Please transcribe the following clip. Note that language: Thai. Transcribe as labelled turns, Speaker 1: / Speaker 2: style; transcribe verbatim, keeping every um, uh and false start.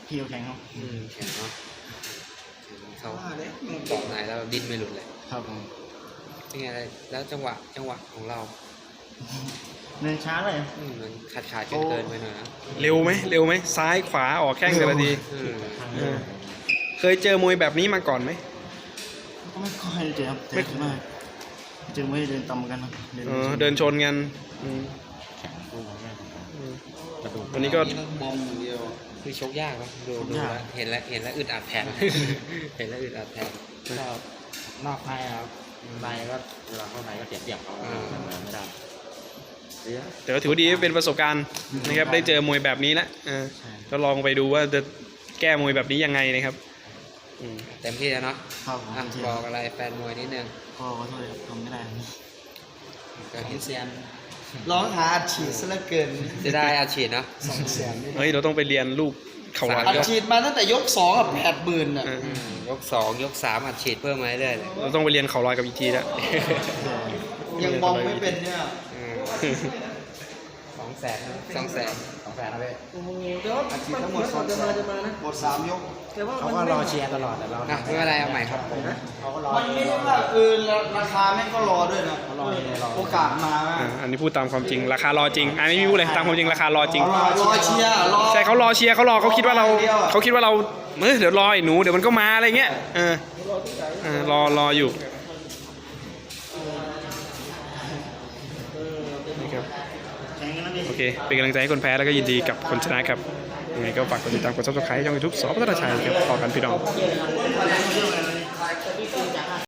Speaker 1: พี่เขาแข็งครับ
Speaker 2: อืมแข็งเนาะเขาเกาะไหนแล้วดิ้นไม่หลุดเลย
Speaker 1: ครับผม
Speaker 2: เป็นไงอะไรแล้วจังหวะจังหวะของเรา
Speaker 1: เดินช้าเลย
Speaker 2: อืมมันขาดขาดเกินเกินไปหน่อยนะ
Speaker 3: เร็วไหมเร็วไหมซ้ายขวาออกแข้งแต่ละที
Speaker 2: อืม
Speaker 3: เออเคยเจอมวยแบบนี้มาก่อนไหม
Speaker 1: ก็ไม่ค่อยเจอครับแต่ส่วนมากเจอไม่ได้เดินต่ำกันครับ
Speaker 3: เออเดินชนกันอืม
Speaker 1: แข็งตัวแม่
Speaker 3: อืม
Speaker 1: กระดูก
Speaker 3: วันนี้ก็
Speaker 1: บอมอย่างเดียว
Speaker 2: คือชกยากนะดูดูแล้วเห็นแล้วเห็นแล้วอึดอัดแทน เห็นแล้วอึดอัดแทน
Speaker 1: ก็นอกในครับในก็เวลาเข้าในก็เสียเปรียบเขา
Speaker 2: อ่า
Speaker 1: ทำงานไม่ได้เสีย
Speaker 3: แต่ก็ถือว่าดีเป็นประสบการณ์นะครับได้เจอมวยแบบนี้แล้วเออ
Speaker 1: ใช่
Speaker 3: ก็ลองไปดูว่าจะแก้มวยแบบนี้ยังไงนะครับอืม
Speaker 2: เต็มที่แล้วเนาะ
Speaker 1: ครับผม
Speaker 2: อ่ะ
Speaker 1: เจ็บ
Speaker 2: บอกอะไรแฟนมวยนิดนึง
Speaker 1: ก็ขอโทษครับทำไม่ได้
Speaker 2: ก็
Speaker 4: สอ
Speaker 2: เห็
Speaker 4: ง
Speaker 2: น
Speaker 4: แสนร้องหาอัดฉีดซะเหลือเกิน
Speaker 2: จะได้อาชีพเนาะ
Speaker 4: สองแสน
Speaker 3: เฮ้ยเราต้องไปเรียนลูกเขาวัด
Speaker 4: อัด
Speaker 3: ก็
Speaker 4: ฉีดมาตั้งแต่ยกสองกับแปดหมื่นอ่ะ
Speaker 3: เออ
Speaker 2: อืมยกสองยกสามอัดฉีดเพิ่มมาเรื่อยๆเลย
Speaker 3: เราต้องไปเรียนเขาลอยกับอีกทีแล้ว
Speaker 4: ยังมองไม่เป็นเนี่ย
Speaker 2: อืมสองแสนสองแสน
Speaker 1: สองแฟนนะเว้ย
Speaker 4: โอ้โหเดี๋ยวอัดฉีดทั้งหมดสองแสนหมดสามยก
Speaker 1: เขาก็รอเชียร์ตลอดแต่เรา
Speaker 2: อ่ะไม่เป็นไรเอาใหม่ครับ
Speaker 1: เขาก็รอ
Speaker 4: มันไม่ได้ว่าเออราคาแม่งก็รอด้วยนะโอกาสมา
Speaker 3: อ่ะอันนี้พูดตามความจริงราคารอจริงอันนี้ไม่พูดเลยตามความจริงราคารอจริง
Speaker 4: รอรอเชียร์รอ
Speaker 3: ใช่เขารอเชียร์เขารอเขาคิดว่าเราเขาคิดว่าเราเออเดี๋ยวรอไอ้หนูเดี๋ยวมันก็มาอะไรเงี้ยเออเออรอรออยู่นี่ครับ
Speaker 1: แข็งกันนะพี่
Speaker 3: โอเคเป็นกำลังใจให้คนแพ้แล้วก็ยินดีกับคนชนะครับยังไงก็ฝากกดติดตามกดซับสไครต์ช่องยูทูบสอพัฒนาชัยครับพอกันพี่น้อง